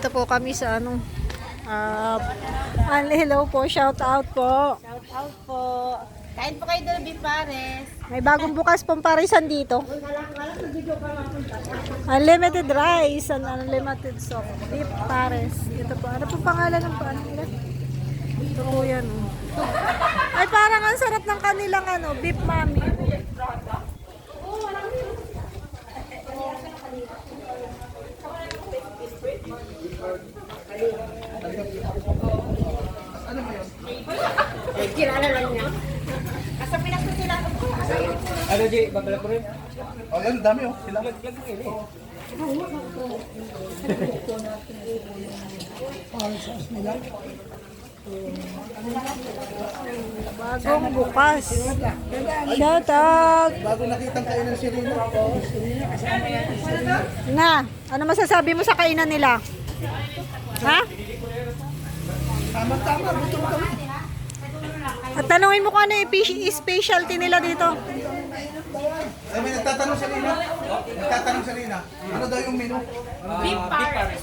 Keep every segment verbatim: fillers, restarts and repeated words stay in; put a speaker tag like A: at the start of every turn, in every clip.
A: Nandito po kami sa ano. Uh, hello po, shout out po.
B: Shout out po. Kain po kayo doon, Beef Pares.
A: May bagong bukas pong parisan dito. Unlimited rice and unlimited soup. Beef Pares. Ito po. Ano po pangalan ng paano nila? Ito po yan. Oh. Ay, parang ang sarap ng kanilang ano, beef mami.
B: Kilala lang niya. Asa Pinas na sila.
C: Ano, G? Babala ko rin.
D: Oh, yan, dami oh. Sila.
C: Lag-lag mo yun eh.
A: Bagong bukas. Shout out.
D: Bago nakitang kainan si Rina.
A: Na, ano masasabi mo sa kainan nila? Ha?
D: Tama-tama, gutom kami.
A: At tanungin mo kung ano yung specialty nila dito.
D: Ay, may nagtatanong si Rina. Nagtatanong si Rina. Ano daw yung menu?
B: Beef Pares.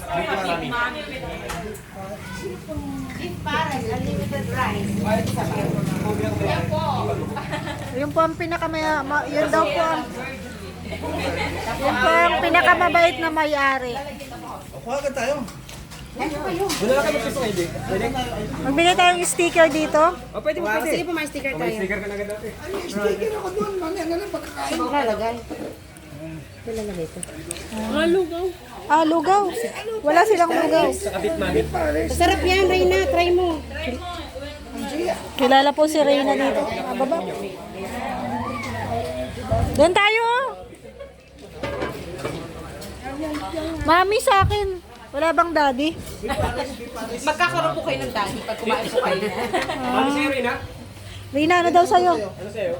B: Beef Pares, unlimited rice. Yan po.
A: Yun po ang pinakamaya, ma- yun daw po ang, yun po ang pinakamabait na may-ari.
D: O, kuha agad tayo.
C: Wala lang kayo piso kayo, G. Pwede?
A: Magbigay tayong sticker dito.
C: O, pwede mo, pwede.
B: Sige po, may sticker
C: May
B: tayo.
C: sticker ka na agad dati.
D: Ay, may sticker ako doon. Mamaya na lang pagkakain.
B: Saan lalagay? Saan lalagay ito?
A: Ah, lugaw. Wala silang lugaw.
C: Sa kabit mami.
B: Masarap yan, Reyna. Try mo.
A: Kilala po si Reyna dito. Ah, baba. Doon tayo. Mami sa akin. Wala bang daddy?
B: Magkakaroon po kayo ng daddy pag kumain po kayo.
C: Mami sa'yo rin, ha?
A: Reyna, ano daw sa'yo?
C: Ano sa'yo?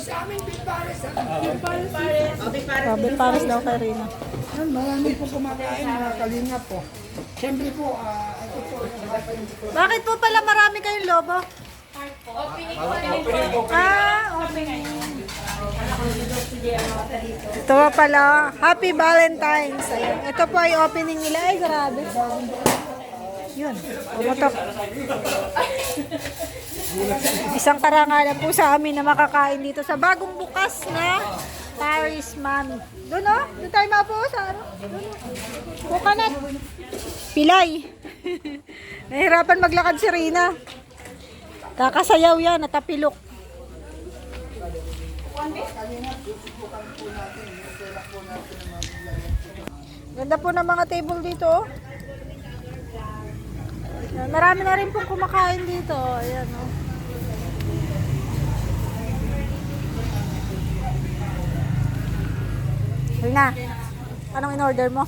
A: Sabi, pares daw kay Reyna.
D: Yan, marami po kumakain, mga kalingap po. Siyempre po, ah, ito po.
A: Bakit po pala marami kayong lobo? Ah, opening. Ito pa pala. Happy Valentine's. Ayan. Ito po ay opening nila. Ay, grabe. Yun. Pumutok. Isang karangalan po sa amin na makakain dito sa bagong bukas na Paris Mami. Doon o. Doon tayo mapo sa ano. Doon o. Coconut. Pilay. Nahirapan maglakad si Rina. Kakasayaw yan, natapilok. Ganda po ng mga table dito. Oh. Marami na rin pong kumakain dito. Ayan, oh. Rina, anong in-order mo?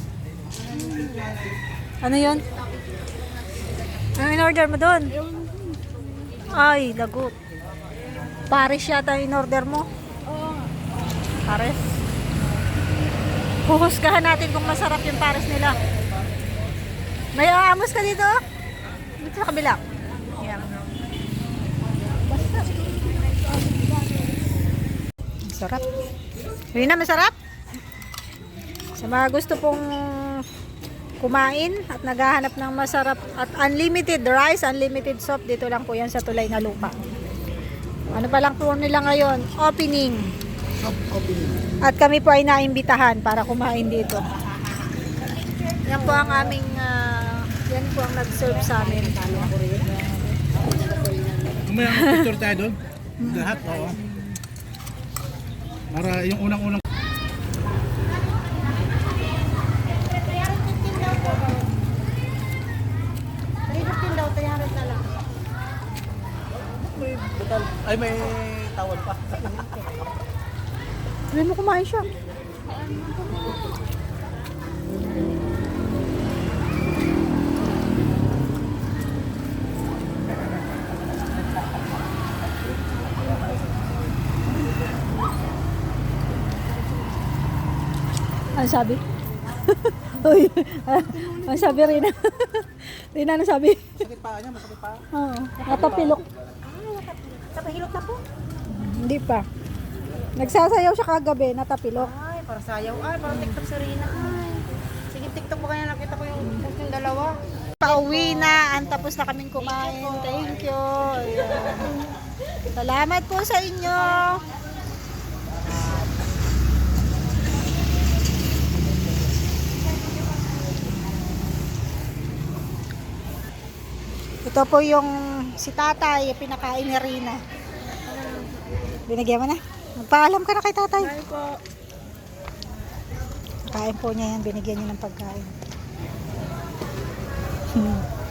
A: Ano yun? Anong in-order mo doon? Ay, lagot. Pares yata yung in-order mo. Pares. Huhusgahan natin kung masarap yung pares nila. May aamos ka dito? Dito sa kabila. Yan. Masarap. Rina, masarap? Sa mga gusto pong kumain at naghahanap ng masarap at unlimited rice, unlimited soup, dito lang po yan sa Tulay na Lupa. Ano pa lang po nila ngayon? Opening. At kami po ay naimbitahan para kumain dito. Yan po ang aming, uh, yan po ang nag-serve sa amin.
D: Umaya ang picture tayo doon. Lahat, oo. Para yung unang-unang. Ay, may tawad pa.
A: Sabi mo kumain siya. Ano sabi? Uy, ano sabi Rina? Rina, ano sabi?
D: Sakit pa niya, masakit pa.
A: Oo, natapilok.
B: Tapahilot na po.
A: Hindi pa. Nagsasayaw siya kagabi, natapilok.
B: Ay, para sayaw. Ay, parang TikTok sa Rina. Ay. Sige TikTok ko kaya nakita ko yung post yung dalawa.
A: Pauwi na, ang tapos na kaming kumain. Thank you. Ayan. Salamat po sa inyo. Ito po yung si tatay, pinakain ni Rina. Binigyan mo na? Magpaalam ka na kay tatay.
B: Ay po.
A: Kain po niya yan, binigyan niya ng pagkain. Hmm.